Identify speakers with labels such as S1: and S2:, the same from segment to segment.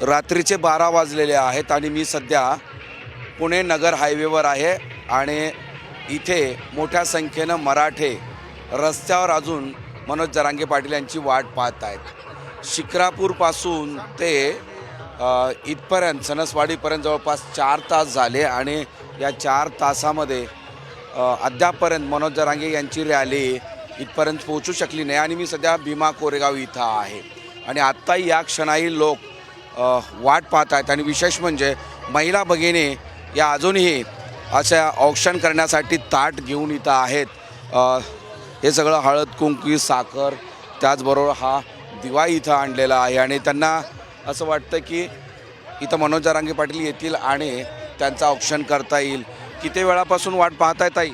S1: रात्रीचे 12 वाजलेले आहेत आणि मी सध्या पुणे नगर हायवेवर आहे आणि इथे मोठ्या संख्येनं मराठे रस्त्यावर अजून मनोज जरांगे पाटील यांची वाट पाहत आहेत। शिक्रापूरपासून ते इथपर्यंत सणसवाडीपर्यंत जवळपास 4 तास झाले आणि या 4 तासामध्ये अद्यापपर्यंत मनोज जरांगे यांची रॅली इथपर्यंत पोहोचू शकली नाही आणि मी सध्या भीमा कोरेगाव इथं आहे आणि आत्ताही या क्षणाही लोक वाट पाहत आहेत आणि विशेष म्हणजे महिला भगिनी या अजूनही अशा औक्षण करण्यासाठी ताट घेऊन इथं आहेत। हे सगळं हळद कुंकू साखर त्याचबरोबर हा दिवा इथं आणलेला आहे आणि त्यांना असं वाटतं की इथं मनोज जरांगे पाटील येतील आणि त्यांचं औक्षण करता येईल। किती वेळापासून वाट पाहताय ताई?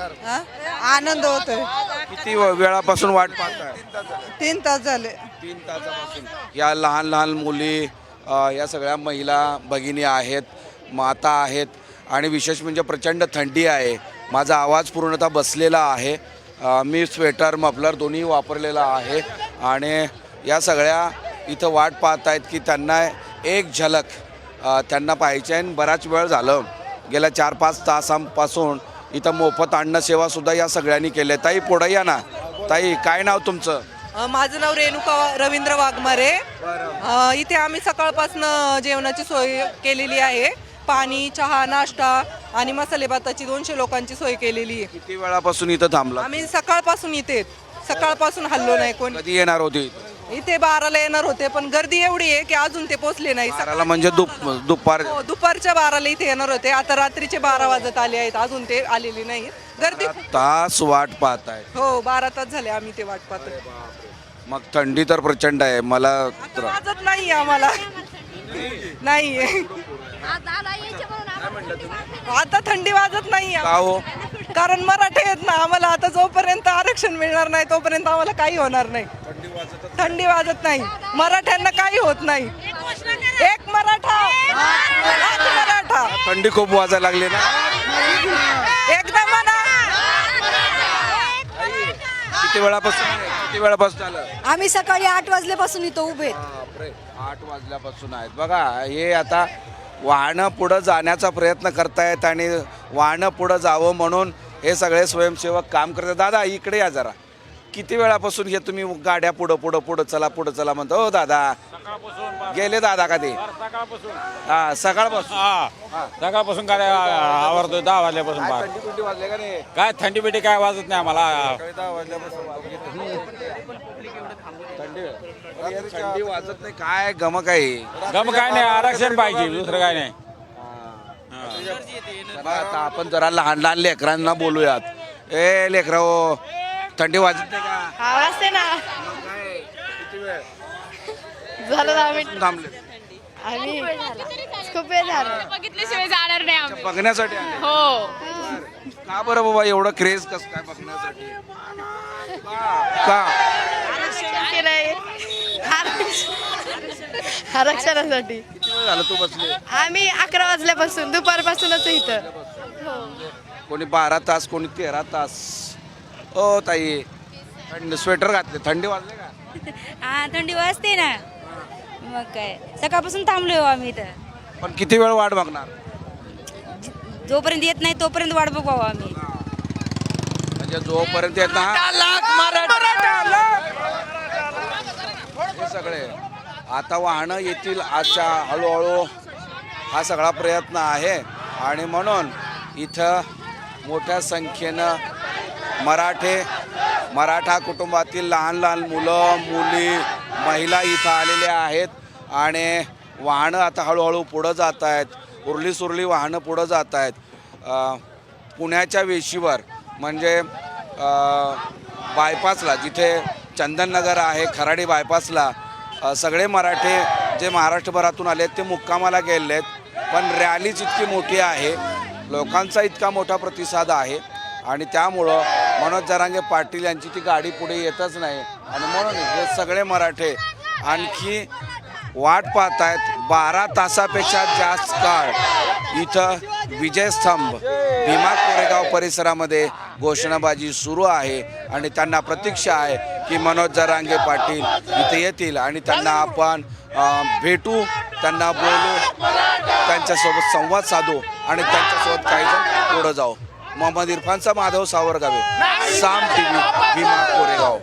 S2: आनंद होतोय।
S1: किती वेळापासून वाट पाहताय?
S2: 3 तास झाले।
S1: 3 तासापासून या लहान लहान मुली या सगळ्या महिला भगिनी आहेत, माता आहेत आणि विशेष म्हणजे प्रचंड थंडी आहे। माझा आवाज पूर्णतः बसलेला आहे। मी स्वेटर मफलर दोन्ही वापरलेला आहे आणि या सगळ्या इथं वाट पाहत आहेत की त्यांना एक झलक त्यांना पाहिजे आहे। बराच वेळ झालं, गेल्या 4-5 तासांपासून इथं मोफत अन्न सेवासुद्धा या सगळ्यांनी केली आहे। ताई पुढं या ना। ताई काय नाव तुमचं?
S2: माझं नाव रेणुका रवींद्र वाघमारे। इथे आम्ही सकाळपासून जेवणाची सोय केलेली आहे। पाणी, चहा, नाश्ता आणि मसाले भाताची 200 लोकांची सोय केलेली आहे।
S1: किती वेळापासून इथं थांबला?
S2: आम्ही सकाळपासून इथे सकाळपासून हल्लो नाही कोणी।
S1: कधी येणार होती?
S2: इथे 12ला येणार होते पण गर्दी एवढी आहे की अजून ते पोहोचले नाही।
S1: बाराला म्हणजे दुपार
S2: दुपारच्या 12ला इथे येणार होते, आता रात्रीचे 12 वाजत आले आहेत, अजून ते आलेले नाही। गर्दी
S1: तास वाट पाहताय?
S2: हो 12 तास झाले आम्ही ते वाट पाहतोय।
S1: मग थंडी तर प्रचंड आहे। मला
S2: वाजत नाही आम्हाला नाही, आता थंडी वाजत नाही
S1: का हो?
S2: कारण मराठे आहेत ना, आम्हाला आता जोपर्यंत आरक्षण मिळणार नाही तोपर्यंत आम्हाला काही होणार नाही। थंडी वाजत नाही, मराठ्यांना काही होत नाही। एक मराठा, एक मराठा।
S1: थंडी खूप वाजायला लागली ना?
S2: एकदा म्हणा।
S1: किती वेळापासून झालं?
S3: आम्ही सकाळी 8 वाजल्यापासून इथं उभे आहेत।
S1: बापरे, 8 वाजल्यापासून आहेत। बघा हे आता वाहनं पुढं जाण्याचा प्रयत्न करतायत आणि वाहनं पुढं जावं म्हणून हे सगळे स्वयंसेवक काम करतात। दादा इकडे या जरा। किती वेळापासून हे तुम्ही गाड्या पुढं चला म्हणतो? हो दादा गेले दादा का ते? हा
S4: सकाळपासून काय आवडतो 10 वाजल्यापासून
S1: थंडी वाजले का नाही?
S4: काय थंडी बिटी काय वाजत नाही आम्हाला।
S1: 10 वाजल्यापासून थंडी वाजत नाही काय गमक आहे?
S4: गम काय नाही, आरक्षण पाहिजे, दुसरं काय नाही।
S1: आता आपण जरा लहान लहान लेकरांना बोलूयात। ए लेकरा हो, थंडी वाजत नाही का?
S3: वाजते ना।
S1: किती वेळ
S3: झालं 10 मिनिट
S1: थांबले?
S3: आम्ही खूप वेळ झालं।
S5: बघितल्याशिवाय जाणार नाही आम्ही।
S1: बघण्यासाठी आले?
S5: हो
S1: का बरं बाबा एवढं क्रेज कसं काय बघण्यासाठी? का?
S3: आरक्षणासाठी।
S1: किती वेळ झालं तू बसले?
S3: आम्ही 11 वाजल्यापासून, दुपारपासूनच इथं।
S1: कोणी 12 तास, कोणी 13 तास। ओ ताई थंडी स्वेटर घातले, थंडी वाजले का?
S5: हा थंडी वाजते ना, मग काय सकाळपासून थांबलोय आम्ही इथं।
S1: पण किती वेळ वाट बघणार?
S5: जोपर्यंत येत नाही तोपर्यंत वाट बघू आम्ही।
S1: म्हणजे जोपर्यंत येत ना हे सगळे आता वाहनं येतील आजच्या हळूहळू हा सगळा प्रयत्न आहे आणि म्हणून इथं मोठ्या संख्येनं मराठा कुटुंबातील लहान लहान मुलं मुली महिला इथं आलेल्या आहेत आणि वाहनं आता हळूहळू पुढं जात आहेत। उरली वाहनं पुढं जात आहेत। पुण्याच्या वेशीवर म्हणजे बायपासला जिथे चंदननगर आहे, खराडी बायपासला सगळे मराठे जे महाराष्ट्रभरातून आले आहेत ते मुक्कामाला गेले आहेत। पण रॅलीच इतकी मोठी आहे, लोकांचा इतका मोठा प्रतिसाद आहे आणि त्यामुळं मनोज जरांगे पाटील यांची ती गाडी पुढे येतच नाही आणि म्हणून हे सगळे मराठे आणखी वाट पाहत आहेत। 12 तासापेक्षा जास्त काळ इथं विजयस्तंभ भीमा कोरेगाव परिसरामध्ये घोषणाबाजी सुरू आहे आणि त्यांना प्रतीक्षा आहे की मनोज जरांगे पाटील इथे येतील आणि त्यांना आपण भेटू त्यांना बोलू, त्यांच्यासोबत संवाद साधू आणि त्यांच्यासोबत काही जण पुढं जाऊ. मोहम्मद इरफानचा माधव सावरगावे, साम टीव्ही, भीमा कोरेगाव.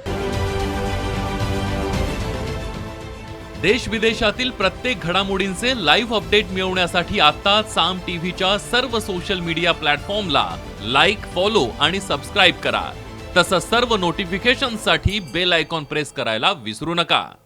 S6: देश विदेशातील प्रत्येक घडामोडींचे लाईव्ह अपडेट मिळवण्यासाठी आता साम टीव्हीच्या सर्व सोशल मीडिया प्लॅटफॉर्मला लाईक, फॉलो आणि सबस्क्राईब करा. तसंच सर्व नोटिफिकेशनसाठी बेल आयकॉन प्रेस करायला विसरू नका.